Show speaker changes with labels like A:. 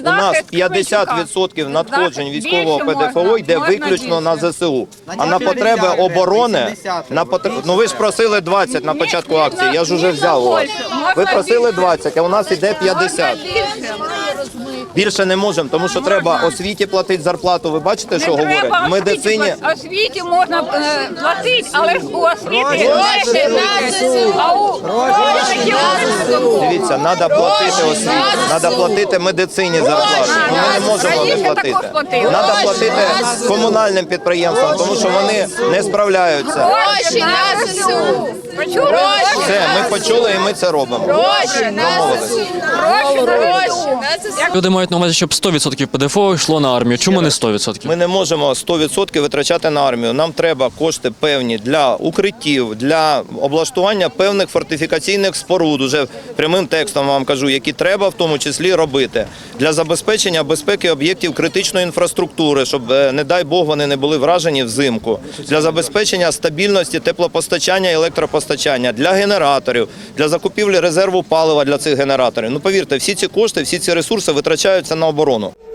A: нас 50% надходжень військового ПДФО йде виключно на ЗСУ. А на потреби оборони, ну ви ж просили 20 на початку акції, я ж уже взяв у вас. Ви просили 20, а у нас іде 50. Більше не можемо, тому що треба освіті платити зарплату. Ви бачите, що говорять? В медицині...
B: Освіті можна платити, але ж у освіті гроші на ЗСУ.
A: Дивіться, треба платити освіті, треба платити медицині зарплату. Ну, ми не можемо не платити. Треба платити комунальним підприємствам, тому що вони не справляються.
B: Гроші на ЗСУ.
A: Все, ми почули і ми це робимо.
B: Гроші на ЗСУ.
C: Люди мають на увазі, щоб 100% ПДФО йшло на армію. Чому не 100%?
A: Ми не можемо 100% витрачати на армію. Нам треба кошти певні для укриттів, для облаштування певних фортифікаційних споруд, уже прямим текстом вам кажу, які треба в тому числі робити, для забезпечення безпеки об'єктів критичної інфраструктури, щоб, не дай Бог, вони не були вражені взимку, для забезпечення стабільності теплопостачання і електропостачання, для генераторів, для закупівлі резерву палива для цих генераторів. Ну, повірте, всі ці кошти, всі ці ресурси витрачаються на оборону.